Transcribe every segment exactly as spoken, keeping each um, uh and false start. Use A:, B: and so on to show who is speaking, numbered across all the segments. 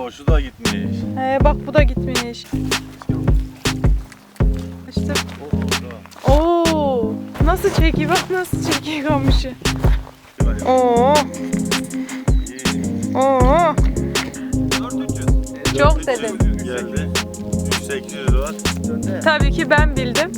A: Oo, şu da gitmiş.
B: He, bak bu da gitmiş. İşte. Oo, nasıl çekiyor? Bak nasıl çekiyor kamışı. Oo. Oo. Çok dedim.
A: Geldi. üç bin sekiz yüz var.
B: Tabii ki ben bildim.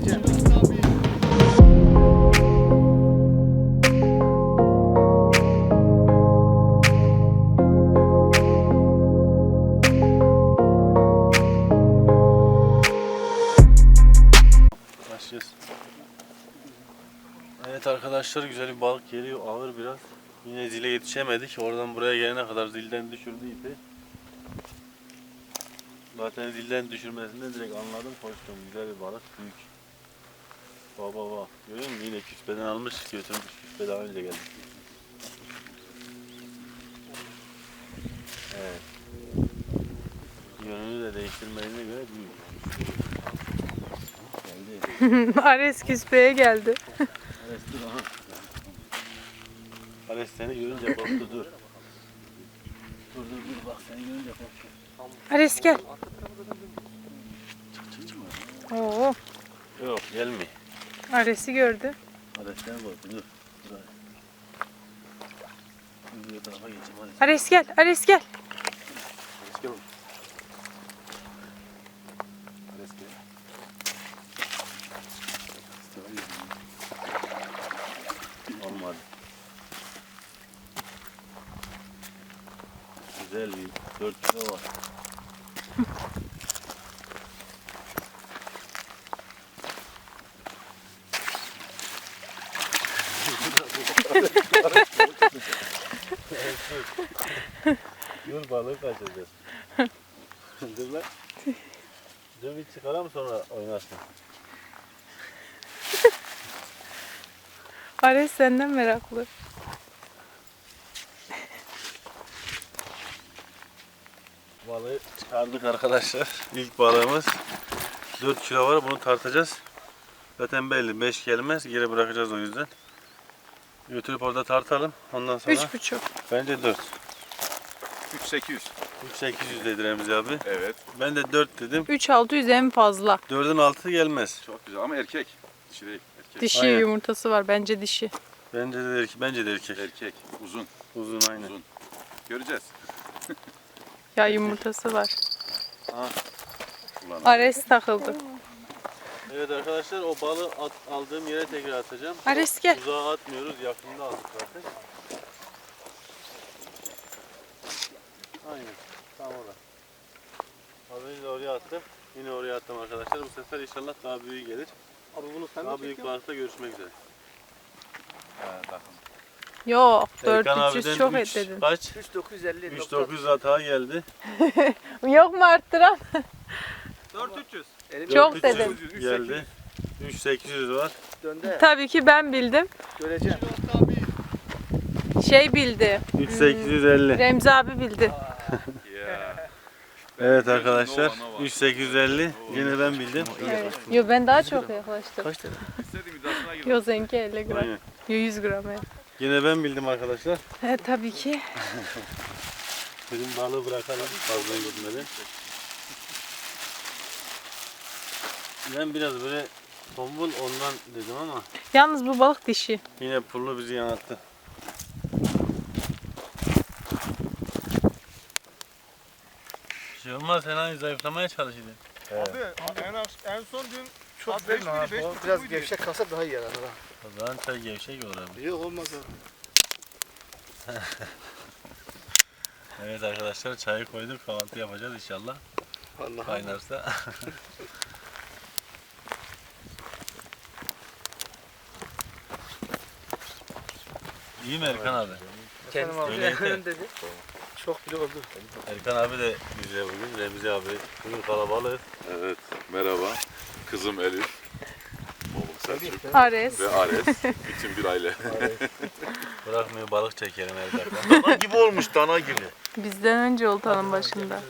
A: Başlıyoruz. Evet arkadaşlar, güzel bir balık geliyor, ağır biraz. Yine zile yetişemedik. Oradan buraya gelene kadar zilden düşürdü ipi. Zaten zilden düşürmesinden direkt anladım, koştum. Güzel bir balık, büyük. Baba baba. Görüyor musun? Yine küspeden almış, götürmüş. Küspe daha önce geldi. Evet. Yönünü de değiştirmediğine göre büyük. Geldi.
B: Ares küspeye geldi.
A: Ares dur aha. Ares seni görünce korktu, dur. Dur dur dur, bak seni görünce korktu.
B: Ares gel.
A: Çık çık çık.
B: Oo,
A: Yok gelme.
B: Ares'i gördü.
A: Ares seni korktu, dur. Dur Ares. Dur bir tarafa geçeyim Ares.
B: Ares gel, Ares gel.
A: Ares gel oğlum. Ares gel. Olmadı. Güzel bir dört kilo var. Dur, balığı kaçıracağız. Dur lan. Dur bir çıkaralım, sonra oynarsın.
B: Ares senden meraklı.
A: Balığı çıkardık arkadaşlar. İlk balığımız dört kilo var. Bunu tartacağız. Zaten belli, beş gelmez. Geri bırakacağız o yüzden. Götürüp orada tartalım. Ondan sonra
B: Üç buçuk.
A: bence dört.
C: üç bin sekiz yüz.
A: üç bin sekiz yüz dedi Remzi abi.
C: Evet.
A: Ben de dört dedim.
B: Üç altı yüz en fazla.
A: dördün altı gelmez.
C: Çok güzel ama erkek. Dişi değil. Erkek.
B: Dişi
A: Aynen.
B: yumurtası var. Bence dişi.
A: Bence de erkek. Bence de erkek.
C: Erkek. Uzun.
A: Uzun aynen.
C: Uzun. Göreceğiz.
B: Ya yumurtası var.
A: Ha.
C: Ulan.
B: Ares takıldı.
A: Evet arkadaşlar, o balığı at, aldığım yere tekrar atacağım.
B: Ares gel.
A: Uzağa atmıyoruz. Yakında aldık zaten. Aynen. Tam orada. Az önce de oraya attım. Yine oraya attım arkadaşlar. Bu sefer inşallah daha büyük gelir.
D: Abi bunu sen
A: Daha
D: mi
A: büyük
D: çekiyorsun?
A: balıkta görüşmek üzere.
C: Ha, bakın.
B: Yok.
A: Erkan
B: dört üç yüz
A: abiden
B: çok
A: üç,
B: et dedin.
A: Kaç?
D: üç bin dokuz yüz elli.
A: üç bin dokuz yüz hata geldi.
B: Yok mu arttıran?
D: dört bin üç yüz. Elim
B: Çok
A: dört bin üç yüz
B: dedim.
A: Geldi. üç bin sekiz yüz var.
D: döndü.
B: Tabii ki ben bildim.
D: Göreceğim.
B: Şey bildi.
A: üç bin sekiz yüz elli.
B: Remzi abi bildi.
C: Ya.
A: Evet arkadaşlar.
C: Nova, Nova.
A: üç bin sekiz yüz elli. Yine ben bildim.
B: Evet. Yo ben daha çok yaklaştım.
A: Kaç tane?
C: İstediğim iddiasına girdim.
B: Yo seninki elli gram.
A: Aynen.
B: Yo yüz gram evet.
A: Yine ben bildim arkadaşlar.
B: He tabii ki.
A: Dedim balığı bırakalım fazla gitmeden. Ben biraz böyle tombul ondan dedim ama
B: Yalnız bu balık dişi.
A: yine pullu bizi yanılttı. Bir şey olmaz, sen hani zayıflamaya çalışıyordun.
E: Abi en, en son dün
D: Çok
E: Abi
D: değil
E: beş
D: mi
E: miydi,
D: abi?
E: beş
D: O
E: buçuk
D: Biraz
E: muydu?
D: gevşek kalsa daha iyi yarar ha.
A: O zaman sen gevşek ol abi.
D: Yok olmaz abi.
A: Evet arkadaşlar, çayı koyduk, kahvaltı yapacağız inşallah.
D: Vallahi.
A: Kaynarsa. İyi mi Erkan abi?
D: Efendim abi.
A: Öyle yeter.
D: dedi. Çok bile oldu.
A: Erkan abi de bize bugün, Remzi abi. Bugün kalabalık.
C: Evet. Merhaba. Kızım Elif. Oğlum Selçuk.
B: Ares.
C: Ve Ares. Bütün bir aile.
A: Bırakmıyor, balık çekelim her dakika.
C: Dana gibi olmuş, dana gibi.
B: Bizden önce oltanın başında.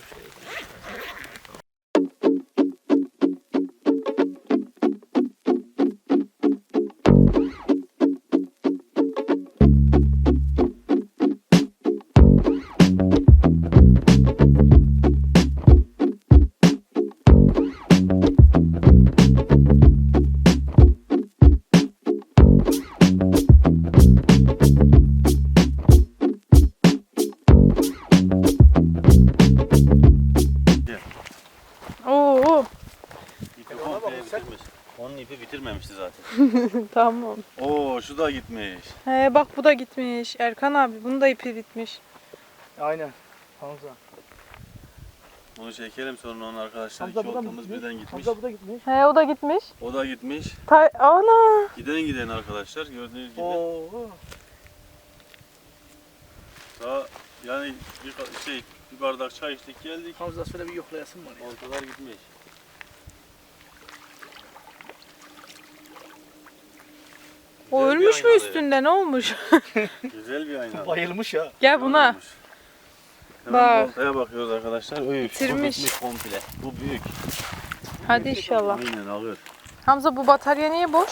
B: Tamam.
A: Oo şu da gitmiş.
B: He bak bu da gitmiş. Erkan abi bunun da ipi bitmiş.
D: Aynen. Hamza.
A: Bunu çekelim sonra onun arkadaşlar.
D: Hamza
A: İki
D: burada mı
A: oltamız
D: gitmiş?
A: birden gitmiş.
D: Hamza bu da gitmiş.
B: He o da gitmiş.
A: O da gitmiş.
B: Ta ana.
A: Giden giden arkadaşlar gördüğünüz gibi.
D: Oo.
A: Daha yani bir ka- şey bir bardak çay içtik geldik.
D: Hamza şöyle bir yoklayasın var ya.
A: Oltalar gitmiş.
B: O
A: Güzel bir
B: ölmüş mü
A: aynalı.
B: üstünde ne olmuş?
A: Güzel bir ayna.
D: Bayılmış ya.
B: Gel buna.
A: Hemen
B: Bak.
A: oltaya bakıyoruz arkadaşlar. Öy,
B: Bitirmiş.
A: Bu bitmiş komple. Bu büyük.
B: Hadi inşallah.
A: Aynen alır.
B: Hamza bu batarya niye boş?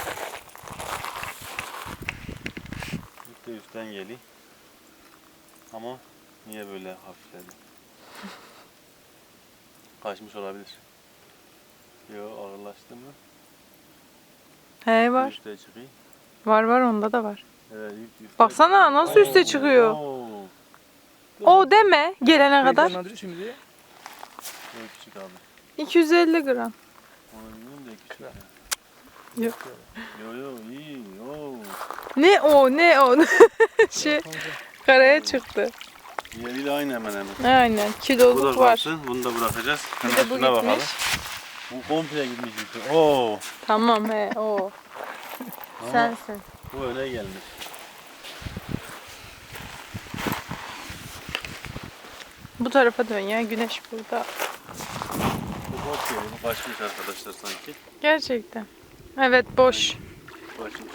A: İlk de üstten geliyor. Ama niye böyle hafifledi? Kaçmış olabilir. Yo ağırlaştı mı?
B: He var.
A: Üste çıkıyor.
B: Var var onda da var.
A: Evet, üst- üste
B: Baksana nasıl üste çıkıyor.
A: Oo,
B: O deme gelene kadar.
D: Heyecanlandırıyor şimdi.
A: çok küçük abi.
B: iki yüz elli gram.
A: Onu bilmiyorum da küçük ya.
B: Yok.
A: Yo yo iyi. Yo.
B: Ne o ne o. şey karaya çıktı.
A: Diğeriyle aynı hemen hemen.
B: Aynen
A: Bu
B: kiloluk
A: da
B: var.
A: kalsın. Bunu da bırakacağız.
B: Bir
A: Hemen
B: de bu
A: şuna bakalım.
B: gitmiş.
A: Bu komple gitmiş yukarı. Oo.
B: Tamam he o.
A: Ama
B: Sensin.
A: bu öne gelmiş.
B: Bu tarafa dön ya güneş burada.
A: Bu boş geliyor. Bu kaçmış arkadaşlar sanki.
B: Gerçekten. Evet boş.
A: Kaçmış.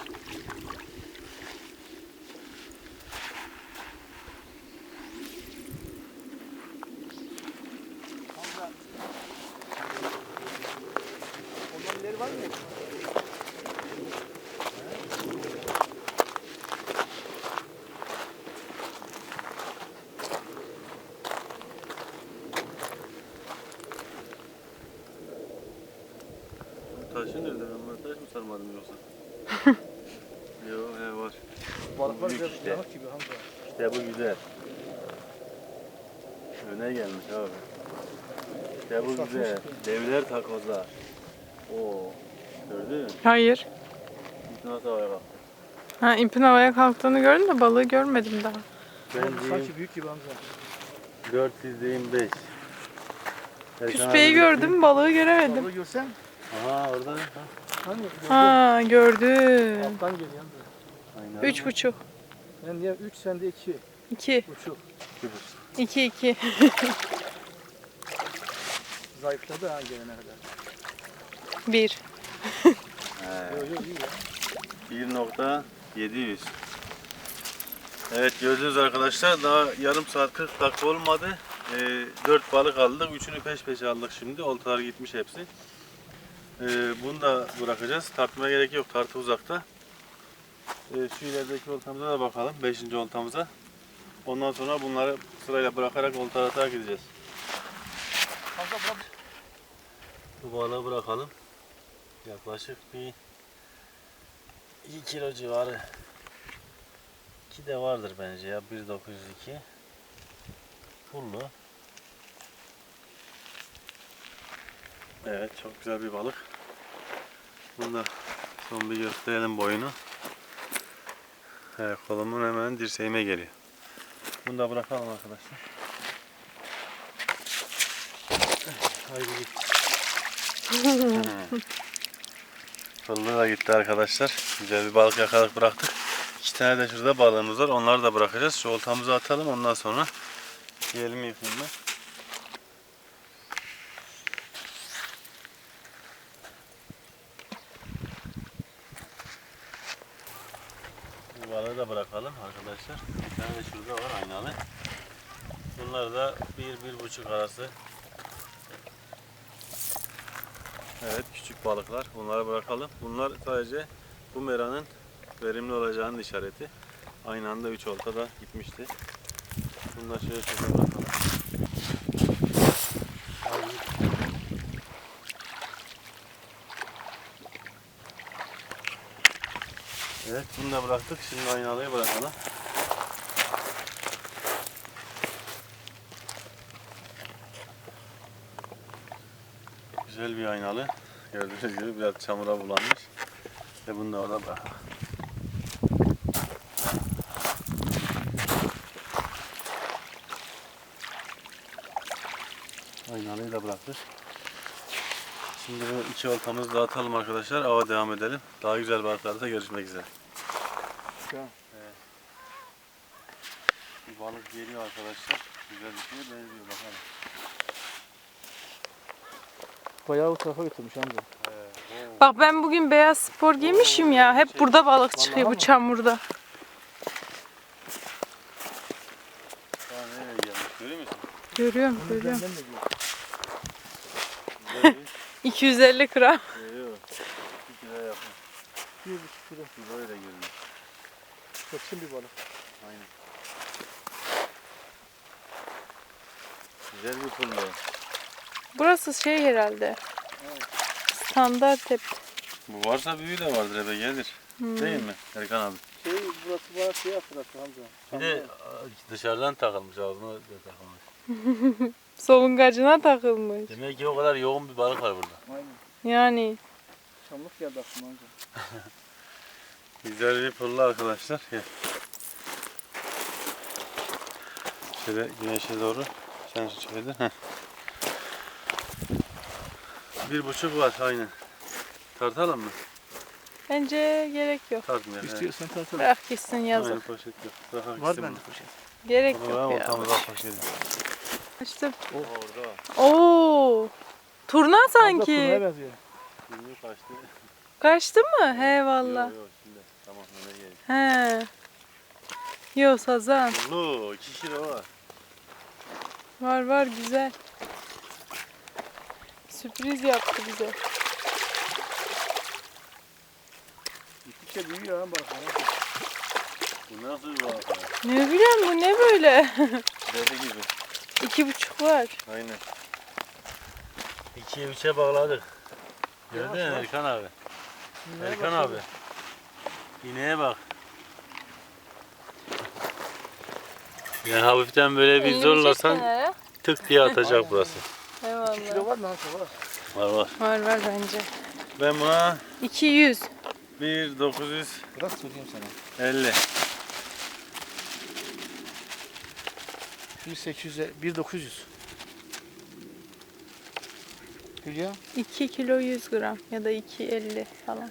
D: Ondan ileri var mı?
A: Taşı nerede? Ben taş mı sarmadım yoksa? Yok he var.
D: Balıklar
A: Büyük
D: biraz
A: işte.
D: yanık gibi Hamza.
A: İşte bu güzel. Öne gelmiş abi. İşte bu güzel. Devler takozlar. Oo. Gördün mü?
B: Hayır.
A: Nasıl havaya bak.
B: Ha ipin havaya kalktığını gördüm de balığı görmedim daha.
A: Ben diyeyim
D: Sanki büyük gibi Hamza.
A: dört yüz diyeyim beş.
B: Küspeyi gördüm balığı göremedim.
D: Balığı görsen.
A: Aha orada. Ha.
D: Hani gördün.
B: Ha gördüm.
D: Alttan geliyor Hamza.
A: Aynen.
B: Üç buçuk.
D: Ben diye üç sende iki.
B: İki.
D: Buçuk.
B: İki iki.
D: Zayıfladı ha gelene kadar.
B: Bir.
A: He.
D: Yok yok iyi ya.
A: bir nokta yedi yüz. Evet gördüğünüz arkadaşlar daha yarım saat kırk dakika olmadı. Ee, dört balık aldık. Üçünü peş peşe aldık şimdi. Oltalar gitmiş hepsi. Ee, bunu da bırakacağız. Tartmaya gerek yok. Tartı uzakta. Ee, şu ilerideki oltamıza da bakalım. Beşinci oltamıza. Ondan sonra bunları sırayla bırakarak olta atarak gideceğiz.
D: Hamza bırak.
A: Bu balığı bırakalım. Yaklaşık bir iki kilo civarı. iki de vardır bence ya. bir dokuz yüz iki. Pullu. Evet çok güzel bir balık. Bunu da son bir gösterelim boyunu. Evet, kolumun hemen dirseğime geliyor. Bunu da bırakalım arkadaşlar. Haydi git. Pullu da gitti arkadaşlar. Güzel bir balık yakaladık bıraktık. İki tane de şurada balığımız var. Onları da bırakacağız. Şu oltamızı atalım. Ondan sonra elimi yıkayayım ben. Bu balığı da bırakalım arkadaşlar. Bir tane de şurada var aynalı. Bunlar da bir bir buçuk arası. Evet küçük balıklar. Bunları bırakalım. Bunlar sadece bu meranın verimli olacağının işareti. Aynı anda üç olta da gitmişti. Bunları şöyle şöyle bırakalım. Evet bunu da bıraktık. Şimdi aynalıyı bırakalım. Güzel bir aynalı. Gördüğünüz gibi biraz çamura bulanmış. Ve bunu da orada bırak. Aynalıyı da bıraktık. Şimdi bu iki oltamızı dağıtalım arkadaşlar. Ava devam edelim. Daha güzel balıklarda görüşmek üzere.
D: Tamam.
A: Evet. Bir balık geliyor arkadaşlar. Güzel bir şeye benziyor bakalım.
D: Bayağı bu tarafa götürmüş amca.
A: Evet. Oo.
B: Bak ben bugün beyaz spor giymişim ya. Hep burada balık çıkıyor bu çamurda.
A: Daha nereye gelmiş görüyor musun?
B: Görüyorum,
D: Onu
B: görüyorum.
D: benden de diyor.
A: Güzel bir-
B: iki yüz elli gram.
A: Yok. iki kilo yapın.
D: Bir buçuk kilo.
A: Kiloyla da görünüyor.
D: Çeksin bir balık.
A: Aynen. Güzel bir pullu.
B: Burası şey herhalde. Standart hep.
A: Bu varsa büyüğü de vardır eve gelir.
B: Hmm.
A: Değil mi Erkan abi?
D: Şey burası bana şey hatırlattı amca.
A: Bir de dışarıdan takılmış ağzına da takılmış.
B: Solungacına takılmış.
A: Demek ki o kadar yoğun bir balık var burada.
D: Aynen.
B: Yani
D: Çamlık geldi aklıma amca.
A: Güzel bir pullu arkadaşlar. Gel. Şöyle güneşe doğru. Sen şu çevirdin. Heh. Bir buçuk var aynen. Tartalım mı?
B: bence gerek yok.
A: Tartmayalım. Evet.
D: İstiyorsan tartalım.
B: Bırak gitsin
A: Aynen,
B: yazık.
A: poşet yok. Bırakak
D: Var
A: gitsin
D: bende
A: bunu.
D: poşet.
B: Gerek
A: Onu
B: yok
A: ben
B: ya.
A: ortamıza poşetim.
B: İşte
A: Orada.
B: Oo. Turna
D: Abla
B: sanki.
D: turnaya benziyor.
A: Şimdi kaçtı.
B: Kaçtı mı? He valla.
A: Yok yok şimdi. Tamam öyle gel.
B: He. Yo sazan.
A: Pullu iki kilo var.
B: Var var güzel. Sürpriz yaptı bize.
D: Gittikçe büyüyor ha balıklar.
A: Bu nasıl bir balık ya?
B: Ne bileyim bu ne böyle?
A: Dede gibi.
B: İki buçuk var.
A: Aynen. İkiye üçe bağladık. Gördün mü
D: Yavaş, yavaş.
A: Erkan abi?
D: İğneye
A: Erkan abi.
D: başladı.
A: İneğe bak. Yani hafiften böyle bir
B: Elini
A: zorlasan
B: çek kenara.
A: tık diye atacak
D: Aynen.
A: burası.
D: Kilo
B: Eyvallah.
D: var mı amca var?
A: Var var.
B: Var var bence.
A: Ben buna
B: iki yüz.
A: bir dokuz yüz
D: Bırak söyleyeyim sana.
A: elli.
D: bir sekiz yüz, bir dokuz yüz. Hülya.
B: iki kilo yüz gram ya da iki elli falan.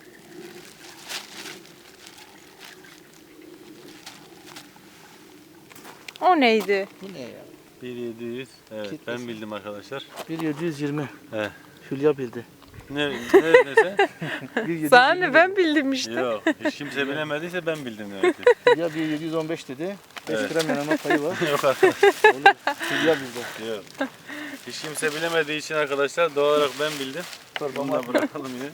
B: O neydi?
D: Bu ne ya?
A: bir yedi yüz. Evet
D: Kitlesi.
A: ben bildim arkadaşlar.
D: bir yedi yüz yirmi.
A: He.
D: Hülya bildi.
A: Ne ne ne sen?
D: bir yedi yüz
B: Sana
D: yirmi
B: ne ben bildim işte.
A: Yok. Hiç kimse bilemediyse ben bildim demek ki.
D: Hülya bir yedi yüz on beş dedi. beş
A: Evet.
D: gram yanılma payı var.
A: Yok arkadaşlar.
D: Olur. Hülya bildi.
A: Yok. Hiç kimse bilemediği için arkadaşlar doğal olarak ben bildim. Bunu
D: Torbama
A: da bırakalım yine.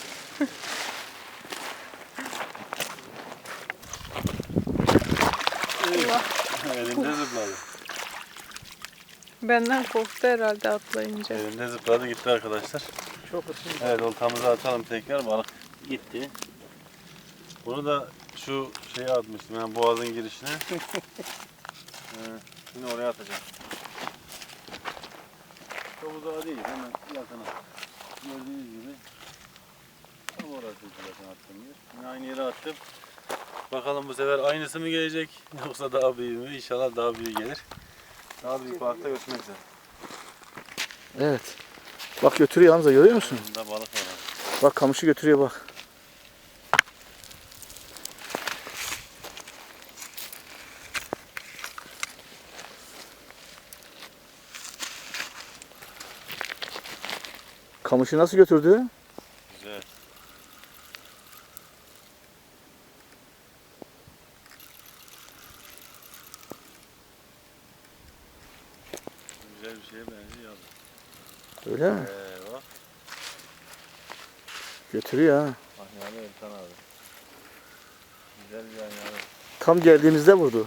B: Allah.
A: Elimde zıpladı.
B: Benden korktu herhalde atlayınca.
A: Elimde zıpladı gitti arkadaşlar.
D: çok ısın.
A: Evet oltamızı atalım tekrar balık gitti. Bunu da şu şeye atmıştım yani boğazın girişine. ee, şimdi oraya atacağım. Çok uzağa değil hemen yakına. Gördüğünüz gibi. Tam orası zaten attığım yer. Yine aynı yere attım. Bakalım bu sefer aynısı mı gelecek yoksa daha büyük mü? İnşallah daha büyük gelir. Daha büyük balıkta görüşmek üzere.
D: Evet. Bak götürüyor Hamza görüyor musun?
A: Bunda balık var. abi.
D: Bak kamışı götürüyor bak. Kamışı nasıl götürdü?
A: Güzel. Güzel bir şeye benziyor abi.
D: Öyle mi?
A: Ee, bak.
D: Götürüyor ha.
A: Ahyalı Erkan abi. Güzel bir ahyalı.
D: Tam geldiğimizde vurdu.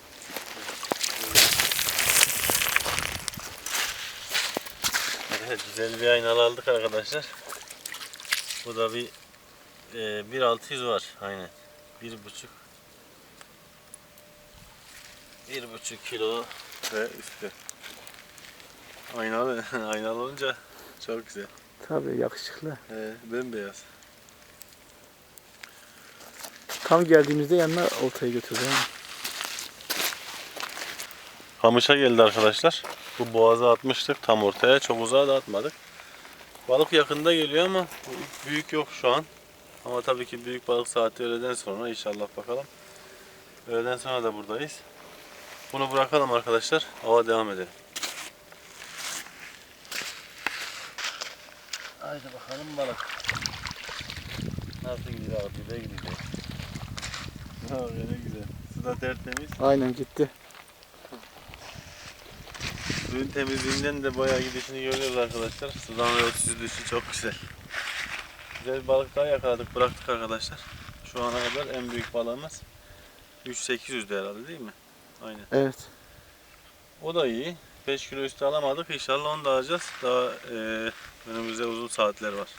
A: Evet Güzel bir aynalı aldık arkadaşlar. Bu da bir e, bir altı yüz var. Aynen. Bir buçuk bir buçuk kilo ve üstü. Aynalı, aynalı olunca çok güzel.
D: Tabii yakışıklı.
A: He, bembeyaz.
D: Tam geldiğimizde yanına oltayı götürdü. ha.
A: Kamışa geldi arkadaşlar. Bu boğaza atmıştık tam ortaya. Çok uzağa da atmadık. Balık yakında geliyor ama büyük yok şu an. Ama tabii ki büyük balık saati öğleden sonra inşallah bakalım. Öğleden sonra da buradayız. Bunu bırakalım arkadaşlar. Ava devam edelim. Haydi bakalım balık. Nasıl gidiyor abi? Güzel gidiyor. Ha, ne güzel. Su da tertemiz.
D: Aynen gitti.
A: Suyun temizliğinden de bayağı gidişini görüyoruz arkadaşlar. Sudan ve süzülüşü çok güzel. Güzel bir balık daha yakaladık, bıraktık arkadaşlar. Şu ana kadar en büyük balığımız üç bin sekiz yüzdü herhalde değil mi? Aynen.
D: Evet.
A: O da iyi. beş kilo üstü alamadık. İnşallah onu da alacağız. Daha e, önümüzde uzun saatler var.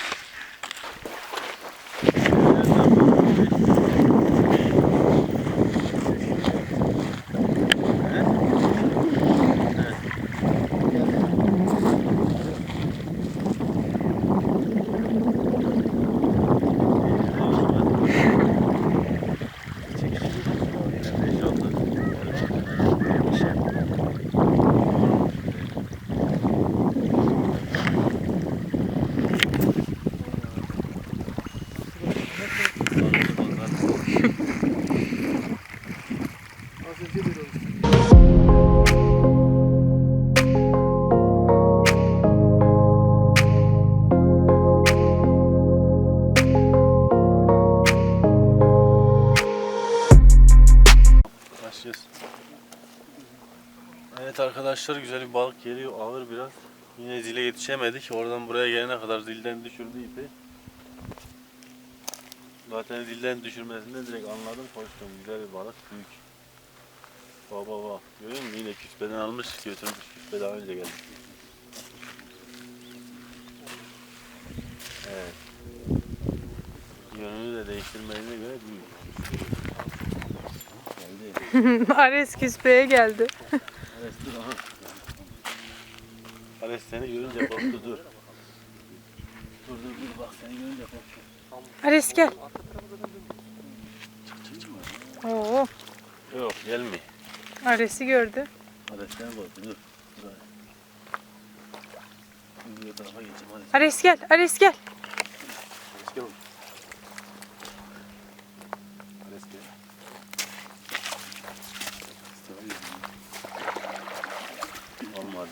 A: Başlıyoruz. Evet arkadaşlar, güzel bir balık geliyor, ağır biraz. Yine zile yetişemedik. Oradan buraya gelene kadar zilden düşürdü ipi. Zaten zilden düşürmesinden direkt anladım, koştum. Güzel bir balık, büyük. Baba baba. Görüyor musun? Yine küspeden almış, götürmüş. Küspe daha önce geldi. Evet. Yönünü de değiştirmediğine göre büyük. Geldi.
B: Ares küspeye geldi.
A: Ares dur aha. Ares seni görünce korktu, dur. Dur dur dur, bak seni görünce korktu.
B: Ares gel. Oo,
A: Yok gelme.
B: Ares'i gördü.
A: Ares seni korktu, dur. Dur Ares. Dur bu tarafa geçeyim Ares.
B: Ares gel, Ares gel.
A: Ares gel oğlum. Ares gel. Olmadı.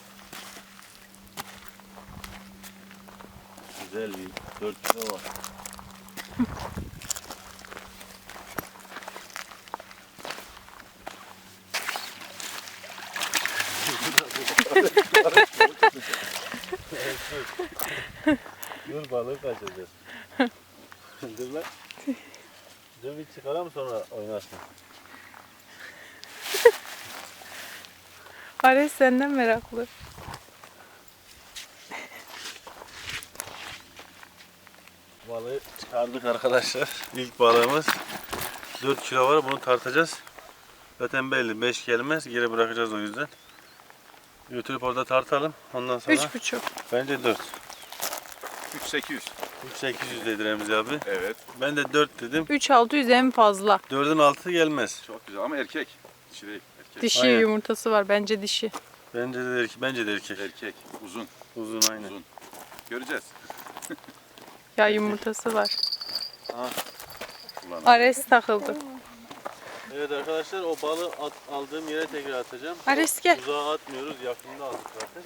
A: Güzel bir dört kilo var. Dur balığı kaçıracağız. Dur lan. Dur bir çıkaralım sonra oynarsın.
B: Ares senden meraklı.
A: Balığı çıkardık arkadaşlar. İlk balığımız dört kilo var. Bunu tartacağız. Zaten belli beş gelmez. Geri bırakacağız o yüzden. Götürüp orada tartalım. Ondan sonra
B: Üç buçuk.
A: bence dört.
C: üç bin sekiz yüz.
A: üç bin sekiz yüz dedi Remzi abi.
C: Evet.
A: Ben de dört dedim.
B: Üç altı yüz en fazla.
A: dördün altı gelmez.
C: Çok güzel ama erkek. Dişi değil. Erkek.
B: Dişi
A: Aynen.
B: yumurtası var. Bence dişi.
A: Bence de erkek. Bence de erkek.
C: Erkek. Uzun.
A: Uzun aynen.
C: Uzun. Göreceğiz.
B: Ya yumurtası var.
C: Ulan.
B: Ares takıldı.
A: Evet arkadaşlar, o balığı at, aldığım yere tekrar atacağım.
B: Ares gel.
A: Uzağa atmıyoruz. Yakında aldık zaten.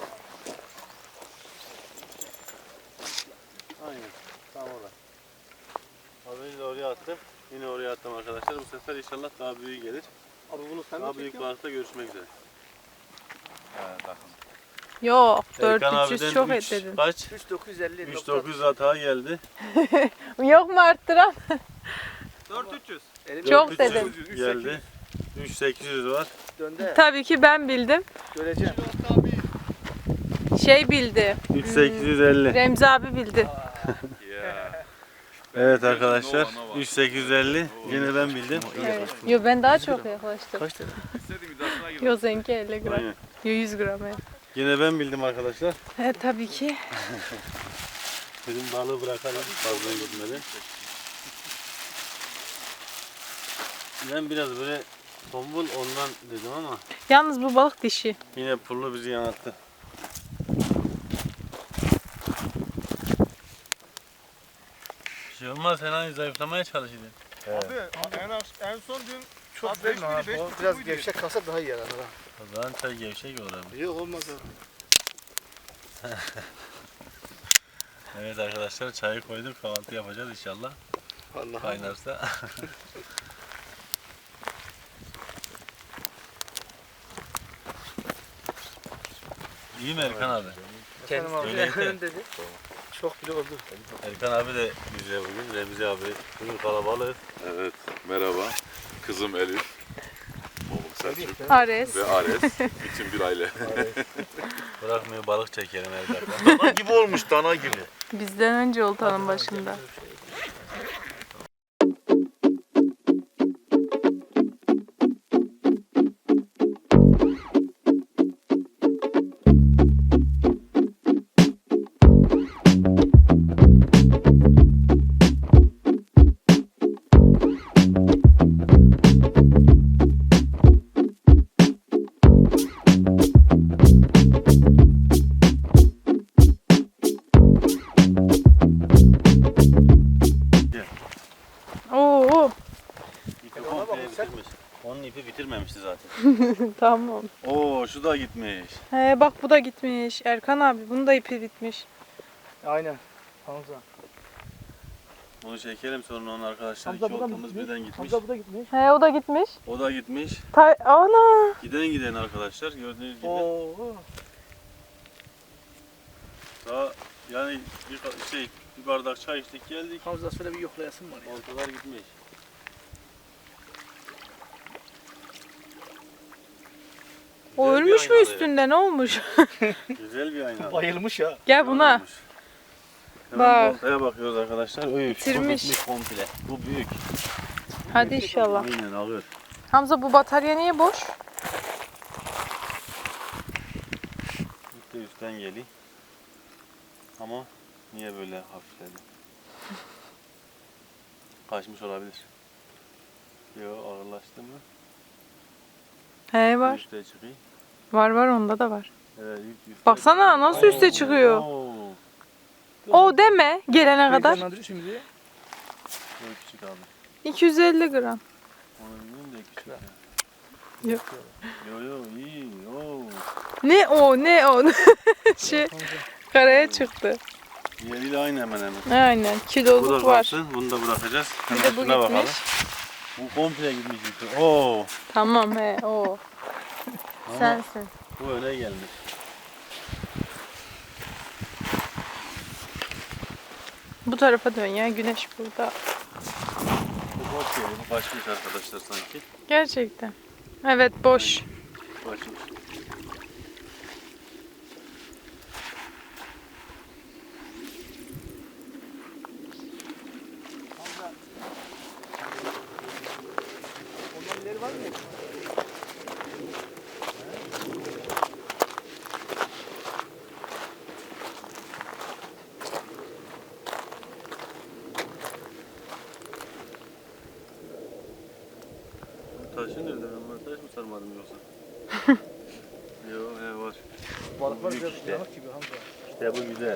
A: Aynen. Tam orada. Az önce de oraya attım. Yine oraya attım arkadaşlar. Bu sefer inşallah daha büyük gelir.
E: Abi bunu sen
A: Daha büyük balıkta görüşmek üzere.
C: Ha, bakın.
B: Yok.
A: Erkan
B: dört üç yüz
A: abiden
B: çok
A: üç-
B: et dedin.
A: Kaç?
E: üç bin dokuz yüz elli.
A: üç bin dokuz yüz hata geldi.
B: Yok mu arttıran?
E: dört bin üç yüz.
B: Çok
A: dört bin üç yüz
B: dedim.
A: Geldi. üç bin sekiz yüz var.
E: Döndü.
B: Tabii ki ben bildim.
E: Göreceğim.
B: Şey bildi.
A: üç bin sekiz yüz elli.
B: Remzi abi bildi.
C: Ya.
A: Evet arkadaşlar. üç bin sekiz yüz elli. Yine ben bildim.
B: Evet. Yo ben daha çok yaklaştım.
D: Kaç tane?
C: İstediğim iddiasına girdim.
B: Yo seninki elli gram.
A: Aynen.
B: Yo yüz gram evet.
A: Yine ben bildim arkadaşlar.
B: Evet tabii ki.
A: Bizim balığı bırakalım fazla gitmeden. Ben biraz böyle tombul ondan dedim ama
B: Yalnız bu balık dişi.
A: yine pullu bizi yanılttı. Bir şey olmaz, sen hani zayıflamaya çalışıyordun.
F: Abi en, az- en son dün
D: Çok
F: Abi
D: değil
F: beş
D: mi
F: miydi,
D: abi?
F: beş
D: O
F: buçuk
D: biraz
F: muydu?
D: gevşek kalsa daha iyi yarar. ha.
A: O zaman çay gevşek olur abi.
D: Yok olmaz abi.
A: Evet arkadaşlar, çayı koyduk, kahvaltı yapacağız inşallah.
D: Allah
A: Kaynarsa. İyi mi Erkan abi?
D: Kendisi
A: Öyle yeter.
D: dedi. Çok bile oldu.
A: Erkan abi de güzel bugün. Remzi abi bugün kalabalık.
C: Evet, merhaba. Kızım Elif. Oğlum Selçuk
B: Ares.
C: ve Ares. Bütün bir aile.
A: Bırakmıyor, balık çekelim her dakika.
F: dana gibi olmuş dana gibi.
B: Bizden önce oltanın başında. Oo,
A: İpi komple bitirmiş. Onun ipi bitirmemişti zaten.
B: tamam.
A: Oo, şu da gitmiş.
B: He bak bu da gitmiş. Erkan abi bunun da ipi bitmiş.
D: Aynen. Hamza.
A: Bunu çekelim sonra onun arkadaşlar.
D: Hamza
A: İki
D: burada mı
A: oltamız
D: gitmiş?
A: birden gitmiş.
D: Hamza bu da gitmiş.
B: He o da gitmiş.
A: O da gitmiş.
B: Ta ana.
A: Giden giden arkadaşlar gördüğünüz gibi.
D: Oo.
A: Daha yani bir ka- şey bir bardak çay içtik geldik.
D: Hamza şöyle bir yoklayasın var ya.
A: Oltalar gitmiş.
B: O
A: Güzel bir
B: ölmüş mü
A: aynalı.
B: üstünde ne olmuş?
A: Güzel bir ayna.
D: Bayılmış ya.
B: Gel buna.
A: Olmuş. Hemen
B: Bak.
A: oltaya bakıyoruz arkadaşlar. Üf, bu
B: Bitirmiş.
A: bitmiş komple. Bu büyük.
B: Hadi inşallah.
A: Aynen alır.
B: Hamza bu batarya niye boş?
A: İlk de üstten geliyor. Ama niye böyle hafifledi? Kaçmış olabilir. Yo, ağırlaştı mı?
B: He var.
A: Üste çıkıyor.
B: Var var onda da var.
A: Evet, üst, üste
B: Baksana nasıl üste çıkıyor.
A: Oo,
B: O deme gelene kadar.
D: Heyecanlandırıyor şimdi.
A: çok küçük abi.
B: iki yüz elli gram.
A: Onu bilmiyorum da küçük ya.
B: Yok.
A: Yo yo iyi. Oo.
B: Ne o ne o. şey karaya çıktı.
A: Diğeriyle aynı hemen hemen.
B: Aynen
A: Bu
B: kiloluk
A: da
B: var.
A: kalsın. Bunu da bırakacağız.
B: Bir
A: Hemen
B: de bu
A: şuna bakalım.
B: gitmiş.
A: Bu komple gitmiş yukarı. Oo.
B: Tamam he o.
A: Ama
B: Sensin.
A: bu öne gelmiş.
B: Bu tarafa dön ya güneş burada.
A: Bu boş geliyor. Bu kaçmış arkadaşlar sanki.
B: Gerçekten. Evet boş.
A: Kaçmış.
D: Ondan ileri var mı?
A: Bu taşı nerede? Ben buna taş mı sarmadım yoksa? Yo he var.
D: Balıklar
A: Büyük
D: biraz
A: işte.
D: yanık gibi Hamza.
A: İşte bu güzel.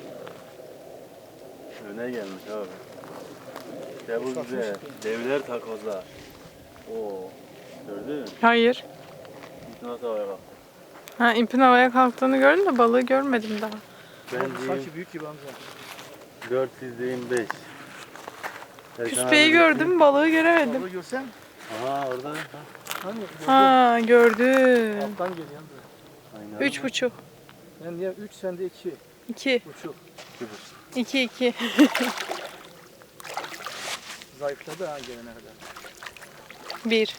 A: Öne gelmiş abi. İşte bu güzel. Devler takozlar. Oo. Gördün mü?
B: Hayır.
A: İlk nasıl havaya kalktı?
B: Ha ipin havaya kalktığını gördüm de balığı görmedim daha.
A: Ben
D: Oğlum,
A: diyeyim
D: sanki büyük gibi Hamza.
A: dört yüz diyeyim beş.
B: Küspeyi gördüm balığı göremedim.
D: Balığı görsen.
A: Aha orada. Ha.
D: Hani gördün.
B: Ha gördüm.
D: Alttan geliyor Hamza.
A: Aynen.
B: Üç buçuk.
D: Ben niye üç sende iki
B: İki.
D: buçuk.
B: İki iki.
D: Zayıfladı ha gelene kadar.
B: Bir.